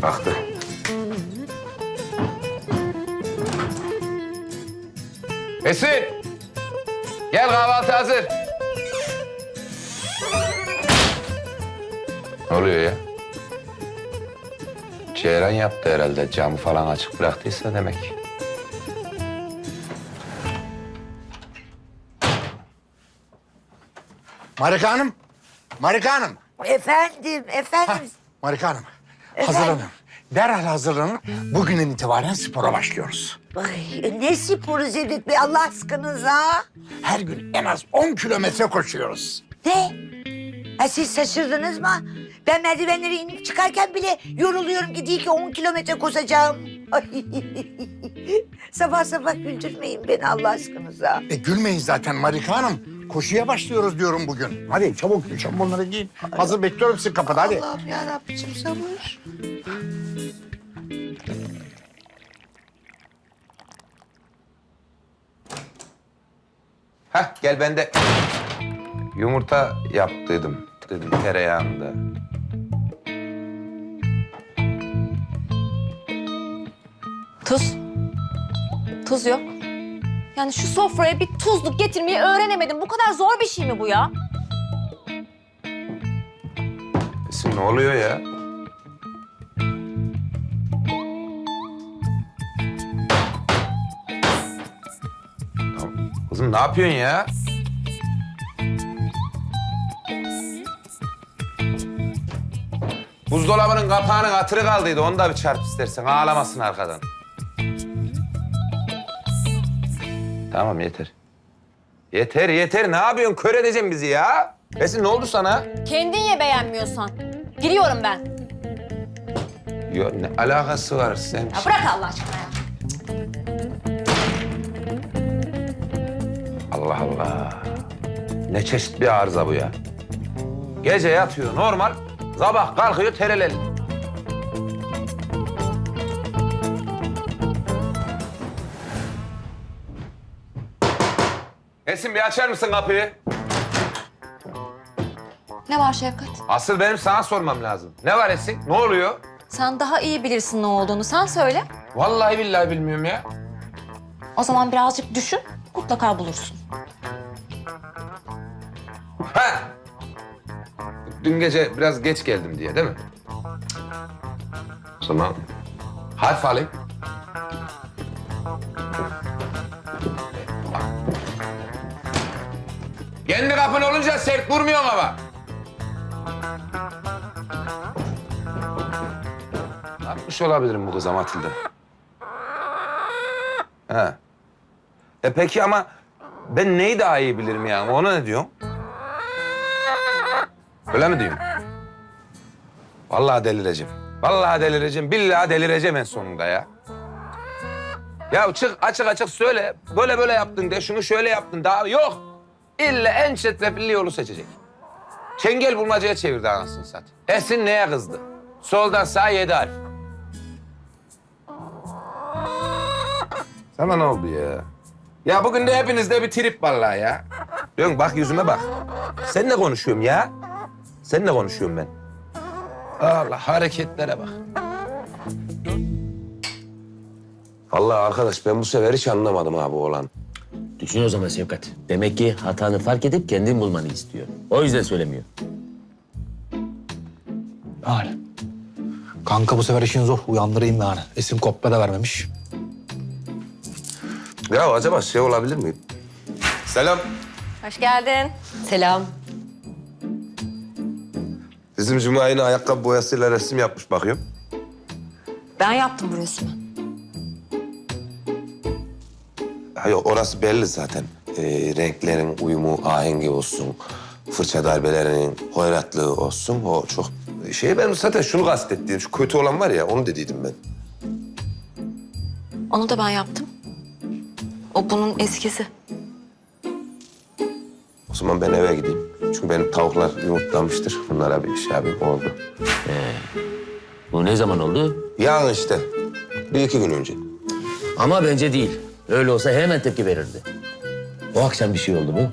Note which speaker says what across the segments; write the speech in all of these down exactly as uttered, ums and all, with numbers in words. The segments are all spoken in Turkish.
Speaker 1: Kalktı. Esin! Gel, kahvaltı hazır. Ne oluyor ya? Ceyran yaptı herhalde. Camı falan açık bıraktıysa demek.
Speaker 2: Marika Hanım, Marika Hanım.
Speaker 3: Efendim, efendim.
Speaker 2: Marika Hanım,
Speaker 3: Efendim?
Speaker 2: hazırlanın. Derhal hazırlanın. Bugünden itibaren spora başlıyoruz.
Speaker 3: Ay, ne sporu Cevdet Bey Allah aşkınıza?
Speaker 2: Her gün en az on kilometre koşuyoruz.
Speaker 3: Ne? Ha, siz şaşırdınız mı? Ben merdivenleri inip çıkarken bile yoruluyorum ki değil ki on kilometre koşacağım. Ay. Sabah sabah güldürmeyin beni Allah aşkınıza.
Speaker 2: E gülmeyin zaten Marika Hanım. Koşuya başlıyoruz diyorum bugün. Hadi çabuk şamponları giyin. Hazır bekliyorum sizi kapıda hadi.
Speaker 3: Allah'ım yarabbim sabır.
Speaker 1: Hah, gel ben de yumurta yaptıydım. Dedim tereyağında.
Speaker 4: Tuz. Tuz yok. Yani şu sofraya bir tuzluk getirmeyi öğrenemedim. Bu kadar zor bir şey mi bu ya?
Speaker 1: Esin ne oluyor ya? Tamam. Kızım ne yapıyorsun ya? Buzdolabının kapağının hatırı kaldıydı. Onu da bir çarp istersen. Ağlamasın arkadan. Tamam yeter. Yeter yeter. Ne yapıyorsun? Kör edeceksin bizi ya. Esin ne oldu sana?
Speaker 4: Kendin ye beğenmiyorsan. Giriyorum ben.
Speaker 1: Yok ne alakası var sen?
Speaker 4: Ya bırak Allah aşkına ya.
Speaker 1: Allah Allah. Ne çeşit bir arıza bu ya. Gece yatıyor normal, sabah kalkıyor tereleli. Esin bir açar mısın kapıyı?
Speaker 4: Ne var Şevkat?
Speaker 1: Asıl benim sana sormam lazım. Ne var Esin? Ne oluyor?
Speaker 4: Sen daha iyi bilirsin ne olduğunu. Sen söyle.
Speaker 1: Vallahi billahi bilmiyorum ya.
Speaker 4: O zaman birazcık düşün. Mutlaka bulursun.
Speaker 1: Ha! Dün gece biraz geç geldim diye değil mi? O zaman harf alayım. Kendi kapın olunca sert vurmuyorsun ama. Ne yapmış olabilirim bu kıza Matilda? Ha. E peki ama ben neyi daha iyi bilirim yani? Ona ne diyorsun? Öyle mi diyorsun? Vallahi delireceğim. Vallahi delireceğim. Billahi delireceğim en sonunda ya. Ya çık açık açık söyle. Böyle böyle yaptın de, şunu şöyle yaptın daha yok. İlla en çetrefilli yolu seçecek. Çengel bulmacaya çevirdi anasını satayım. Esin neye kızdı? Soldan sağa yedi harf. Sana ne oldu ya? Ya bugün de hepinizde bir trip vallahi ya. Diyorsun bak yüzüme bak. Seninle konuşuyorum ya. Seninle konuşuyorum ben. Allah hareketlere bak. Vallahi arkadaş ben bu sefer hiç anlamadım abi oğlan.
Speaker 5: Düşün o zaman Şevkat. Demek ki hatanı fark edip kendin bulmanı istiyor. O yüzden söylemiyor.
Speaker 6: Yani. Kanka bu sefer işin zor. Uyandırayım yani. Esin kopya da vermemiş.
Speaker 1: Ya acaba şey olabilir mi? Selam.
Speaker 4: Hoş geldin.
Speaker 7: Selam.
Speaker 1: Bizim Cuma yine ayakkabı boyasıyla resim yapmış bakıyorum.
Speaker 4: Ben yaptım bu resmi.
Speaker 1: Ha yok orası belli zaten. Ee, renklerin uyumu, ahengi olsun. Fırça darbelerinin hoyratlığı olsun. O çok şey benim zaten şunu kastettiğim şu kötü olan var ya onu dediydim ben.
Speaker 4: Onu da ben yaptım. O bunun eskisi.
Speaker 1: O zaman ben eve gideyim. Çünkü benim tavuklar yumurtlamıştır. Bunlara bir şey yapayım oldu.
Speaker 5: Bu ne zaman oldu?
Speaker 1: Yarın işte. Bir iki gün önce.
Speaker 5: Ama bence değil. Öyle olsa hemen tepki verirdi. O akşam bir şey oldu mu?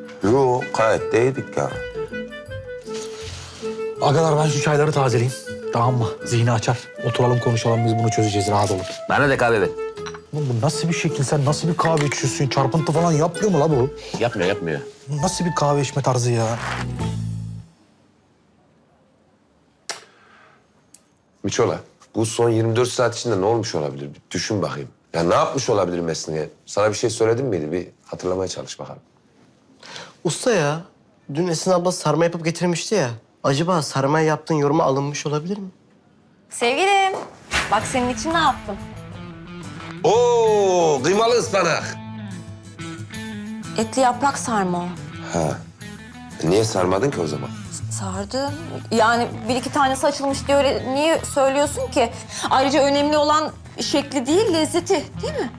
Speaker 1: Yok gayet de yedik ya.
Speaker 6: Agalar ben şu çayları tazeleyeyim. Tamam mı? Zihni açar. Oturalım konuşalım biz bunu çözeceğiz rahat olun.
Speaker 5: Bana da kahve ver.
Speaker 6: Oğlum bu nasıl bir şekil? Sen nasıl bir kahve içiyorsun? Çarpıntı falan yapmıyor mu la bu?
Speaker 5: Yapmıyor, yapmıyor.
Speaker 6: Bu nasıl bir kahve içme tarzı ya?
Speaker 1: Miçola, bu son yirmi dört saat içinde ne olmuş olabilir? Bir düşün bakayım. Ya ne yapmış olabilir Mesne'ye? Sana bir şey söyledim miydi? Bir hatırlamaya çalış bakalım.
Speaker 7: Usta ya, dün Esin abla sarma yapıp getirmişti ya. Acaba sarmaya yaptığın yoruma alınmış olabilir mi?
Speaker 4: Sevgilim, bak senin için ne yaptım?
Speaker 1: Oo, kıymalı ıspanak.
Speaker 4: Etli yaprak sarma o.
Speaker 1: Ha. Niye sarmadın ki o zaman?
Speaker 4: Sardım. Yani bir iki tanesi açılmış diye öyle niye söylüyorsun ki? Ayrıca önemli olan şekli değil, lezzeti değil mi?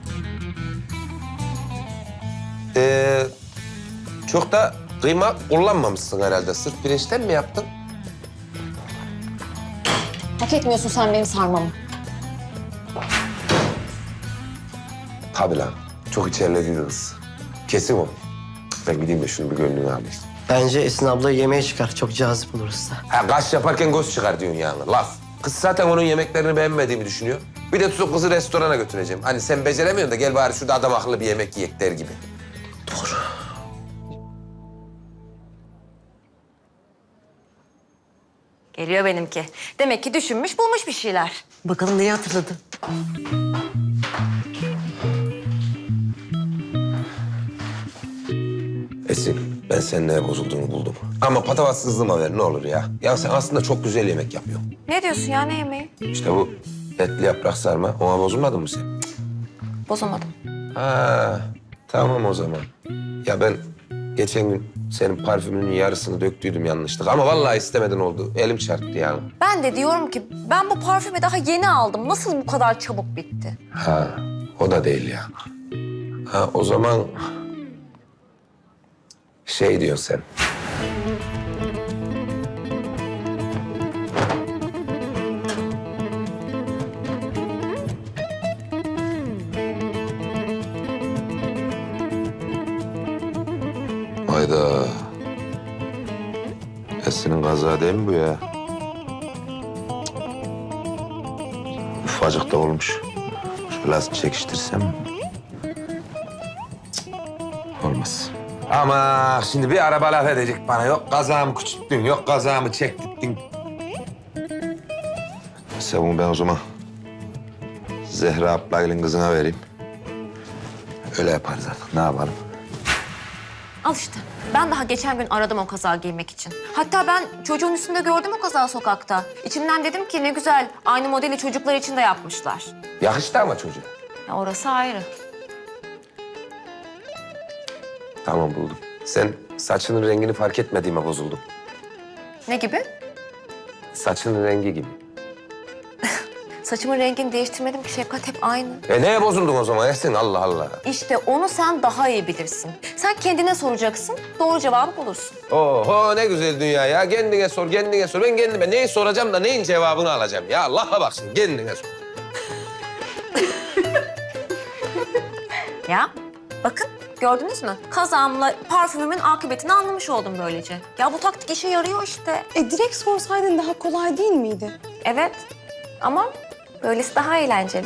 Speaker 1: Ee, çok da kıyma kullanmamışsın herhalde. Sırf pirinçten mi yaptın?
Speaker 4: Hak etmiyorsun sen benim sarmamı.
Speaker 1: Tabii lan. Çok içerledi kız. Kesin o. Ben gideyim de şunu bir gönlünü alayım.
Speaker 7: Bence Esin ablayı yemeğe çıkar. Çok cazip olur usta.
Speaker 1: Ha, kaş yaparken göz çıkar diyorsun yani. Laf. Kız zaten onun yemeklerini beğenmediğimi düşünüyor. Bir de tutup kızı restorana götüreceğim. Hani sen beceremiyorsun da gel bari şurada adam akıllı bir yemek yiyek der gibi.
Speaker 4: Geliyor benimki. Demek ki düşünmüş, bulmuş bir şeyler.
Speaker 8: Bakalım neyi hatırladı?
Speaker 1: Esin, ben senin neye bozulduğunu buldum. Ama patavatsızlığıma ver ne olur ya. Ya sen aslında çok güzel yemek yapıyorsun.
Speaker 4: Ne diyorsun ya, ne yemeği?
Speaker 1: İşte bu etli yaprak sarma. Ona bozulmadın mı sen?
Speaker 4: Bozulmadım.
Speaker 1: Ha, tamam o zaman. Ya ben geçen gün senin parfümünün yarısını döktüydüm yanlışlıkla. Ama vallahi istemeden oldu. Elim çarptı yani.
Speaker 4: Ben de diyorum ki ben bu parfümü daha yeni aldım. Nasıl bu kadar çabuk bitti?
Speaker 1: Ha, o da değil ya. Ha, o zaman şey diyorsun sen. Hayda. Esin'in kazağı değil mi bu ya? Ufacık da olmuş. Biraz çekiştirsem. Cık, olmaz. Ama şimdi bir araba laf edecek bana. Yok kazağımı küçülttün, yok kazağımı çektirdin. Neyse bunu ben o zaman Zehra ablayla kızına vereyim. Öyle yaparız artık. Ne yapalım?
Speaker 4: Al işte. Ben daha geçen gün aradım o kazağı giymek için. Hatta ben çocuğun üstünde gördüm o kazağı sokakta. İçimden dedim ki ne güzel, aynı modeli çocuklar için de yapmışlar.
Speaker 1: Yakıştı ama çocuğa.
Speaker 4: Ya orası ayrı.
Speaker 1: Tamam buldum. Sen saçının rengini fark etmediğime bozuldum.
Speaker 4: Ne gibi?
Speaker 1: Saçının rengi gibi.
Speaker 4: Saçımın rengini değiştirmedim ki Şefkat, hep aynı.
Speaker 1: E neye bozuldun o zaman Esin? Allah Allah.
Speaker 4: İşte onu sen daha iyi bilirsin. Sen kendine soracaksın, doğru cevabı bulursun.
Speaker 1: Oho ne güzel dünya ya. Kendine sor, kendine sor. Ben kendime neyi soracağım da neyin cevabını alacağım. Ya Allah'a bak şimdi kendine sor.
Speaker 4: Ya bakın gördünüz mü? Kazağımla parfümümün akıbetini anlamış oldum böylece. Ya bu taktik işe yarıyor işte.
Speaker 9: E direkt sorsaydın daha kolay değil miydi?
Speaker 4: Evet ama böylesi daha eğlenceli.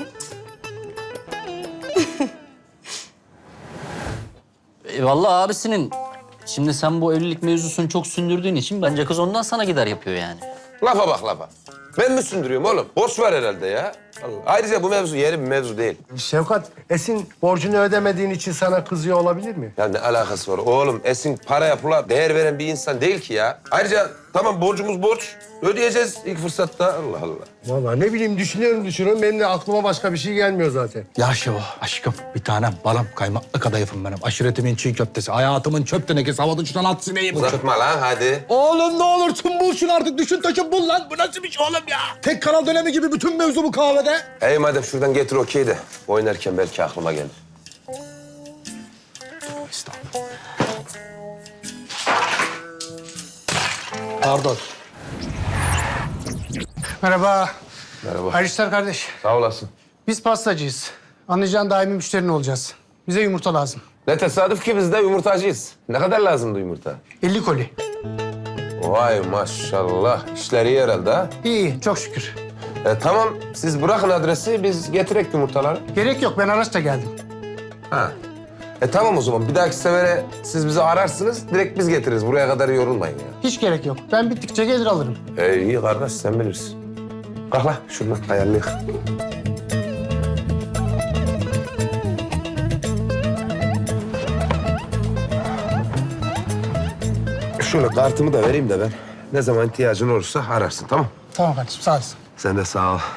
Speaker 10: E, vallahi abisinin. Şimdi sen bu evlilik mevzusunu çok sündürdüğün için bence kız ondan sana gider yapıyor yani.
Speaker 1: Lafa bak lafa. Ben mi sündürüyorum oğlum? Borç var herhalde ya. Allah. Ayrıca bu mevzu yeni bir mevzu değil.
Speaker 11: Şevkat, Esin borcunu ödemediğin için sana kızıyor olabilir mi?
Speaker 1: Ya ne alakası var oğlum? Esin paraya pula değer veren bir insan değil ki ya. Ayrıca tamam borcumuz borç. Ödeyeceğiz ilk fırsatta. Allah Allah.
Speaker 11: Vallahi ne bileyim düşünüyorum düşünüyorum. Benim de aklıma başka bir şey gelmiyor zaten.
Speaker 6: Ya Şevo aşkım bir tanem balım kaymaklı kadayıfım benim. Aşiretimin çiğ köftesi, hayatımın çöp tenekesi, havada uçtan at sineği bu.
Speaker 1: Uzatma lan hadi.
Speaker 6: Oğlum ne olursun bul şunu artık. Düşün taşın bul lan. Bu nasıl bir şey oğlum ya? Tek kanal dönemi gibi bütün mevzu bu kahvede.
Speaker 1: Ey madem şuradan getir okey de oynarken belki aklıma gelir.
Speaker 6: Estağfurullah. Pardon.
Speaker 11: Merhaba.
Speaker 1: Merhaba.
Speaker 11: Hayırlı işler kardeş.
Speaker 1: Sağ olasın.
Speaker 11: Biz pastacıyız. Anlayacağın daimi müşterin olacağız. Bize yumurta lazım.
Speaker 1: Ne tesadüf ki biz de yumurtacıyız. Ne kadar lazımdı yumurta?
Speaker 11: elli koli.
Speaker 1: Vay maşallah. İşler iyi herhalde ha?
Speaker 11: İyi, iyi, çok şükür.
Speaker 1: E, tamam, siz bırakın adresi, biz getirek yumurtaları.
Speaker 11: Gerek yok, ben araçla geldim.
Speaker 1: Ha. E tamam o zaman. Bir dahaki sefere siz bizi ararsınız, direkt biz getiririz. Buraya kadar yorulmayın ya.
Speaker 11: Hiç gerek yok. Ben bittikçe gelir alırım.
Speaker 1: E, iyi kardeş, sen bilirsin. Kalk lan, şuradan ayarlayık. Şöyle kartımı da vereyim de ben. Ne zaman ihtiyacın olursa ararsın, tamam?
Speaker 11: Tamam kardeşim, sağ olasın.
Speaker 1: Sen de sağ ol.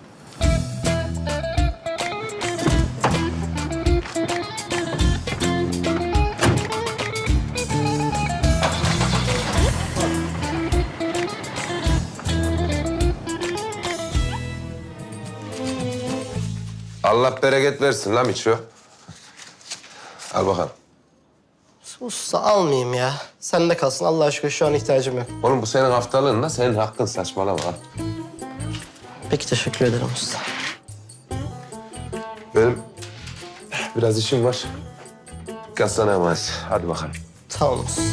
Speaker 1: Allah bereket versin lan Miço. Al bakalım.
Speaker 7: Usta almayayım ya. Sende kalsın Allah aşkına şu an ihtiyacım yok.
Speaker 1: Oğlum bu senin haftalığın lan, senin hakkın, saçmalama.
Speaker 7: Peki teşekkür ederim usta.
Speaker 1: Benim biraz işim var. Dikkat sana emanet. Hadi bakalım.
Speaker 7: Tamam usta.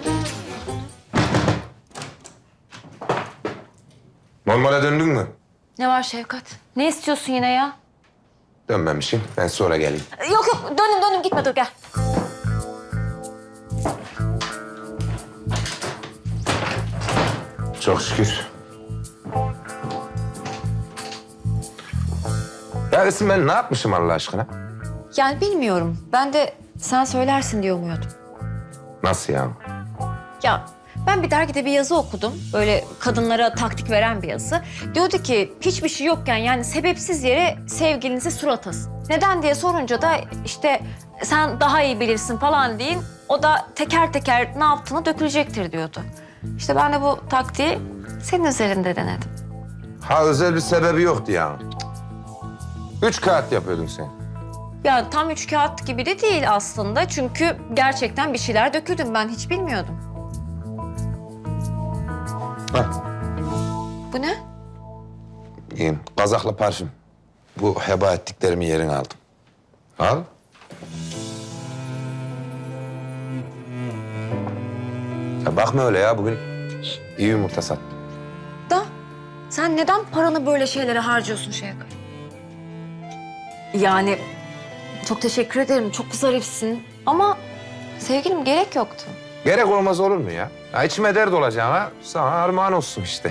Speaker 1: Normale döndün mü?
Speaker 4: Ne var Şevkat? Ne istiyorsun yine ya?
Speaker 1: Dönmemişim. Ben sonra geleyim.
Speaker 4: Yok yok dönüm dönüm gitme dur gel.
Speaker 1: Çok şükür. Ya Esin, ben ne yapmışım Allah aşkına?
Speaker 4: Yani bilmiyorum. Ben de sen söylersin diye umuyordum.
Speaker 1: Nasıl yani?
Speaker 4: Ya ben bir dergide bir yazı okudum. Böyle kadınlara taktik veren bir yazı. Diyordu ki hiçbir şey yokken yani sebepsiz yere sevgilinize sur atasın. Neden diye sorunca da işte sen daha iyi bilirsin falan deyin. O da teker teker ne yaptığını dökülecektir diyordu. İşte ben de bu taktiği senin üzerinde denedim.
Speaker 1: Ha, özel bir sebebi yoktu yani. Üç kağıt yapıyordun sen.
Speaker 4: Ya tam üç kağıt gibi de değil aslında. Çünkü gerçekten bir şeyler döküldüm. Ben hiç bilmiyordum.
Speaker 1: Hah.
Speaker 4: Bu ne?
Speaker 1: İyiyim. Kazaklı parfüm. Bu heba ettiklerimi yerine aldım. Al. Ya bakma öyle ya. Bugün iyi yumurta sattım.
Speaker 4: Da sen neden paranı böyle şeylere harcıyorsun Şevkat? Yani çok teşekkür ederim. Çok zarifsin. Ama sevgilim gerek yoktu.
Speaker 1: Gerek olmaz olur mu ya? Ya içime dert olacağına sana armağan olsun işte.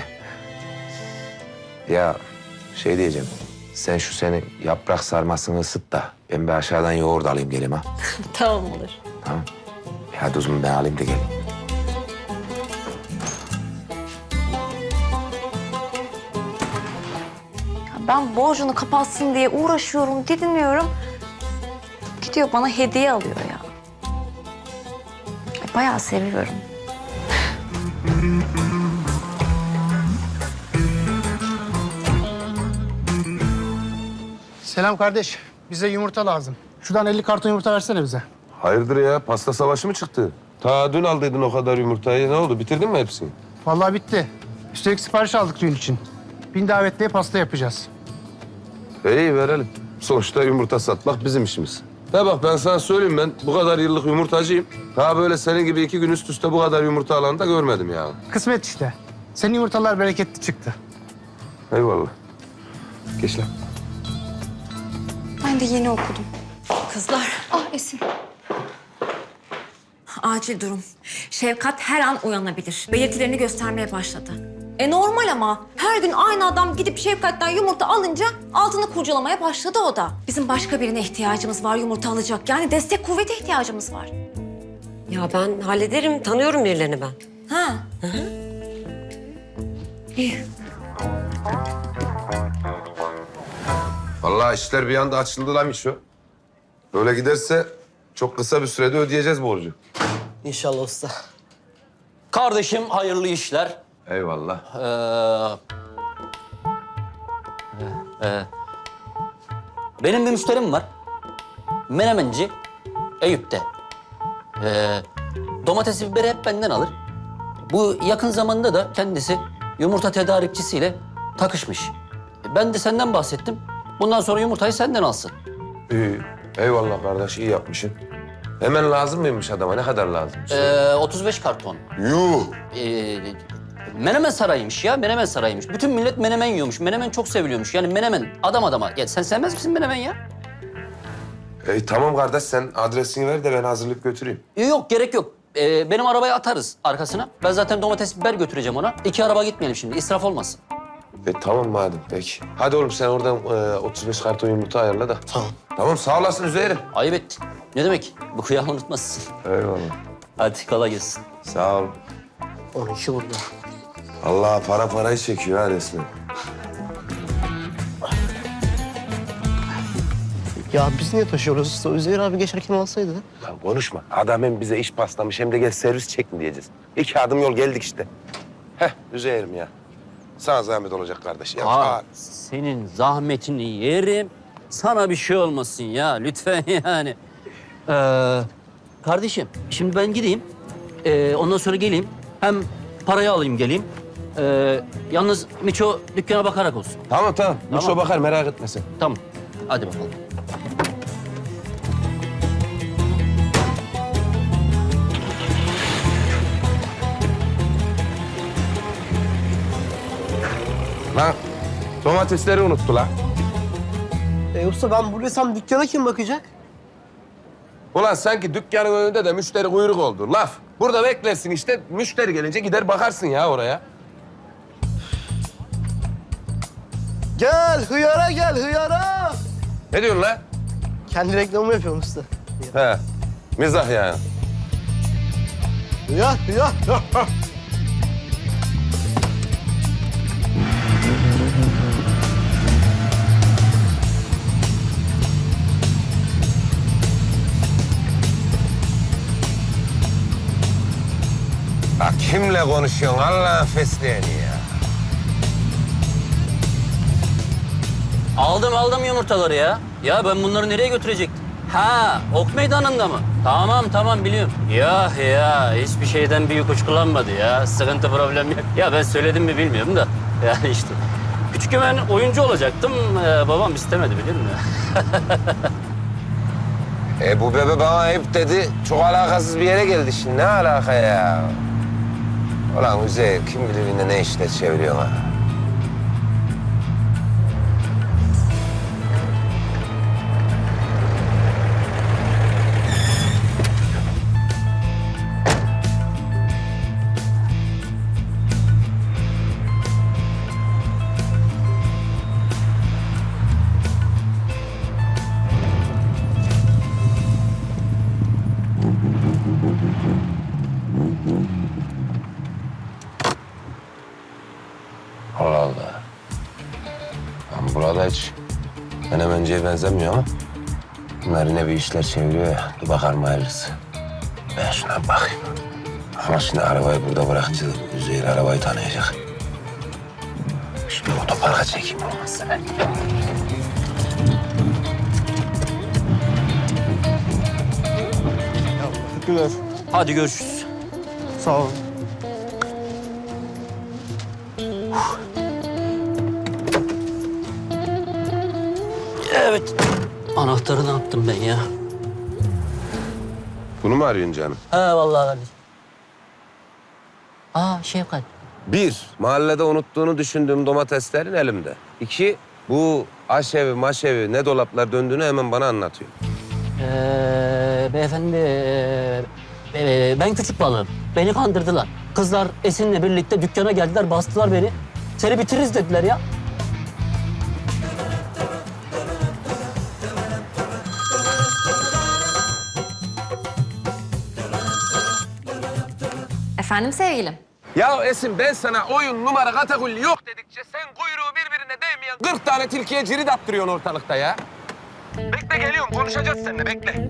Speaker 1: Ya şey diyeceğim. Sen şu senin yaprak sarmasını ısıt da ben bir aşağıdan yoğurt alayım geleyim ha.
Speaker 4: Tamam olur.
Speaker 1: Tamam. E hadi o zaman ben alayım da geleyim.
Speaker 4: Ben borcunu kapatsın diye uğraşıyorum, didiniyorum. Gidiyor bana hediye alıyor ya. Bayağı seviyorum.
Speaker 11: Selam kardeş, bize yumurta lazım. Şuradan elli karton yumurta versene bize.
Speaker 1: Hayırdır ya? Pasta savaşı mı çıktı? Ta dün aldıydın o kadar yumurtayı. Ne oldu? Bitirdin mi hepsini?
Speaker 11: Vallahi bitti. Üstelik sipariş aldık düğün için. Bin davetliye pasta yapacağız.
Speaker 1: İyi verelim. Sonuçta yumurta satmak bizim işimiz. Ya bak ben sana söyleyeyim, ben bu kadar yıllık yumurtacıyım. Daha böyle senin gibi iki gün üst üste bu kadar yumurta alanı da görmedim ya.
Speaker 11: Kısmet işte. Senin yumurtalar bereketli çıktı.
Speaker 1: Eyvallah. Geç lan.
Speaker 9: Ben de yeni okudum.
Speaker 4: Kızlar,
Speaker 9: Ah Esin.
Speaker 4: acil durum. Şevkat her an uyanabilir. Belirtilerini göstermeye başladı. E normal ama. Her gün aynı adam gidip Şevkat'ten yumurta alınca altını kurcalamaya başladı o da. Bizim başka birine ihtiyacımız var yumurta alacak. Yani destek kuvvete ihtiyacımız var.
Speaker 8: Ya ben hallederim. Tanıyorum birilerini ben.
Speaker 4: Ha. Hı hı. İyi.
Speaker 1: Vallahi işler bir anda açıldı lan Mişo. Böyle giderse çok kısa bir sürede ödeyeceğiz borcu.
Speaker 7: İnşallah usta.
Speaker 10: Kardeşim hayırlı işler.
Speaker 1: Eyvallah.
Speaker 10: Ee, e, benim bir müşterim var. Menemenci Eyüp'te. Ee, domatesi, biberi hep benden alır. Bu yakın zamanda da kendisi yumurta tedarikçisiyle takışmış. Ben de senden bahsettim. Bundan sonra yumurtayı senden alsın.
Speaker 1: İyi. Eyvallah kardeş, iyi yapmışsın. Hemen lazım mıymış adama? Ne kadar lazım?
Speaker 10: Ee, otuz beş karton.
Speaker 1: Yuh!
Speaker 10: Ee, Menemen sarayıymış ya, Menemen sarayıymış. Bütün millet menemen yiyormuş, Menemen çok seviliyormuş. Yani Menemen adam adama. Ya sen sevmez misin Menemen ya?
Speaker 1: E, tamam kardeş, sen adresini ver de ben hazırlık götüreyim.
Speaker 10: Yok, gerek yok. Ee, benim arabayı atarız arkasına. Ben zaten domates, biber götüreceğim ona. İki araba gitmeyelim şimdi, israf olmasın.
Speaker 1: E tamam madem, peki. Hadi oğlum sen oradan e, otuz beş karton yumurta ayarla da.
Speaker 7: Tamam.
Speaker 1: Tamam, sağ olasın Üzeyir'im.
Speaker 10: Ayıp ettin. Ne demek? Bu kıyağı unutmazsın.
Speaker 1: Eyvallah.
Speaker 10: Hadi kolay gelsin.
Speaker 1: Sağ ol.
Speaker 7: on iki burada.
Speaker 1: Allah para parayı çekiyor ha resmen.
Speaker 7: Ya biz niye taşıyoruz usta? Üzeyir abi geçerken alsaydı.
Speaker 1: Lan konuşma. Adam hem bize iş paslamış hem de gel servis çek mi diyeceğiz. İki adım yol geldik işte. Heh, Üzeyir'im ya. Sana zahmet olacak kardeş. Ya,
Speaker 10: Aa,
Speaker 1: aa.
Speaker 10: senin zahmetini yerim. Sana bir şey olmasın ya lütfen yani. Ee, kardeşim şimdi ben gideyim. Ee, ondan sonra geleyim. Hem parayı alayım geleyim. Ee, yalnız Miço dükkana bakarak olsun.
Speaker 1: Tamam tamam.
Speaker 10: Tamam.
Speaker 1: Miço bakar, merak etme sen.
Speaker 10: Tamam. Hadi bakalım.
Speaker 1: Lan domatesleri unuttu lan.
Speaker 7: E usta ben buluyorsam dükkana kim bakacak?
Speaker 1: Ulan sanki dükkanın önünde de müşteri kuyruk oldu. Laf. Burada beklersin işte. Müşteri gelince gider bakarsın ya oraya.
Speaker 7: Gel hıyara gel hıyara.
Speaker 1: Ne diyorsun lan?
Speaker 7: Kendi reklamımı yapıyorum usta.
Speaker 1: He. Mizah yani.
Speaker 7: Hıyar hıyar.
Speaker 1: Bak kimle konuşuyorsun Allah'ın fesleğeni ya.
Speaker 10: Aldım aldım yumurtaları ya. Ya ben bunları nereye götürecektim? Ha, ok meydanında mı? Tamam tamam biliyorum. Ya ya hiçbir şeyden büyük uçkulanmadı ya. Sıkıntı problem yok. Ya ben söyledim mi bilmiyorum da. Yani işte. Küçükken ben oyuncu olacaktım. Ee, babam istemedi bilir mi?
Speaker 1: E bu bebe bana ayıp dedi. Çok alakasız bir yere geldi şimdi. Ne alaka ya? Ulan Üzeyir kim bilir yine ne işler çeviriyor ha. Allah Allah. Ben burada hiç menemenciye benzemiyor ama bunlar yine bir işler çeviriyor ya. Dur bakalım hayırlısı. Ben şuna bir bakayım. Ama şimdi arabayı burada bırakacağız. Üzeyir arabayı tanıyacak. Şimdi otoparka çekeyim olmazsa ben.
Speaker 7: Güler.
Speaker 10: Hadi görüşürüz.
Speaker 7: Sağ ol.
Speaker 10: Evet. Anahtarı ne yaptım ben ya?
Speaker 1: Bunu mu arıyorsun canım?
Speaker 10: Ha vallahi kardeşim. Aa Şevkat.
Speaker 1: Bir, mahallede unuttuğunu düşündüğüm domateslerin elimde. İki, bu aşevi maşevi ne dolaplar döndüğünü hemen bana anlatıyor.
Speaker 10: Ee, beyefendi, ee, ee, ben küçük balığım. Beni kandırdılar. Kızlar Esin'le birlikte dükkana geldiler, bastılar beni. Seni bitiririz dediler ya.
Speaker 4: Efendim sevgilim?
Speaker 1: Ya Esin ben sana oyun numara katakulli yok dedikçe sen kuyruğu birbirine değmeyen kırk tane tilkiye cirit attırıyorsun ortalıkta ya. Bekle geliyorum konuşacağız seninle bekle.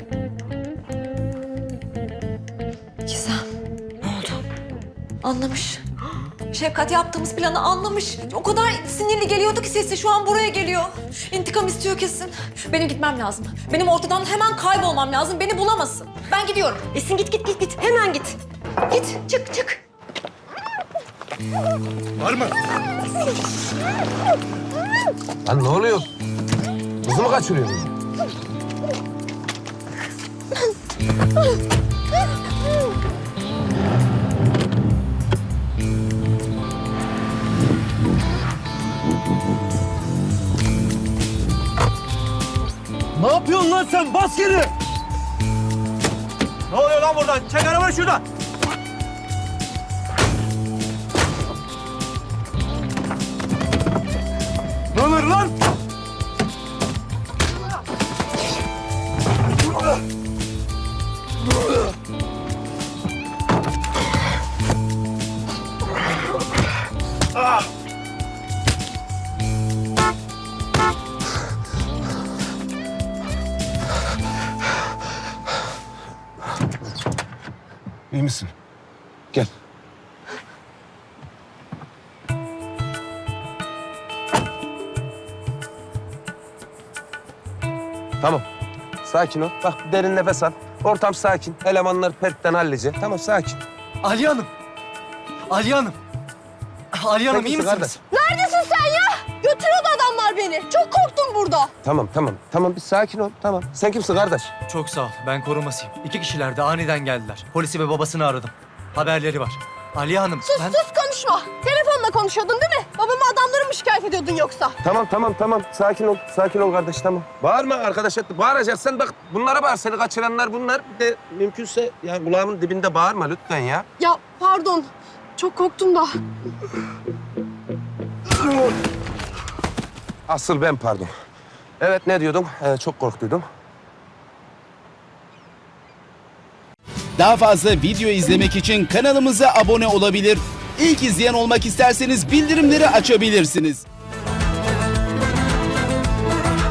Speaker 9: Gizem. Ne oldu? Anlamış. Şefkat yaptığımız planı anlamış. O kadar sinirli geliyordu ki sesi şu an buraya geliyor. İntikam istiyor kesin. Benim gitmem lazım. Benim ortadan hemen kaybolmam lazım. Beni bulamasın. Ben gidiyorum.
Speaker 8: Esin git git git git. Hemen git. Git çık çık.
Speaker 2: Var mı?
Speaker 1: Lan ne oluyor? Kızı mı kaçırıyorsun?
Speaker 7: Ne yapıyorsun lan sen? Bas geri! Ne oluyor lan buradan? Çek arabayı şuradan! Ne olur lan?
Speaker 1: İyi misin? Gel. Tamam. Sakin ol. Bak bir derin nefes al. Ortam sakin. Elemanlar pertten hallice. Tamam sakin.
Speaker 7: Ali Hanım! Ali Hanım! Ali Hanım
Speaker 1: Sen
Speaker 7: iyi
Speaker 1: kimsin
Speaker 7: misiniz?
Speaker 9: Neredesin sen ya? Götürüyordu adamlar beni. Çok korktum burada.
Speaker 1: Tamam tamam. Tamam bir sakin ol. Tamam. Sen kimsin kardeş?
Speaker 7: Çok sağ ol. Ben korumasıyım. İki kişiler de aniden geldiler. Polisi ve babasını aradım. Haberleri var. Ali Hanım
Speaker 9: Sus
Speaker 7: ben...
Speaker 9: sus konuşma. Telefonla konuşuyordun değil mi? Babamı adamları mı şikayet ediyordun yoksa?
Speaker 1: Tamam tamam tamam. Sakin ol. Sakin ol kardeş tamam. Bağırma arkadaş. Bağıracaksan bak bunlara bağır. Seni kaçıranlar bunlar. Bir de mümkünse yani kulağımın dibinde bağırma lütfen ya.
Speaker 9: Ya pardon. Çok korktum da.
Speaker 1: Asıl ben pardon. Evet ne diyordum? Ee, çok korktuydum.
Speaker 12: Daha fazla video izlemek için kanalımıza abone olabilir. İlk izleyen olmak isterseniz bildirimleri açabilirsiniz.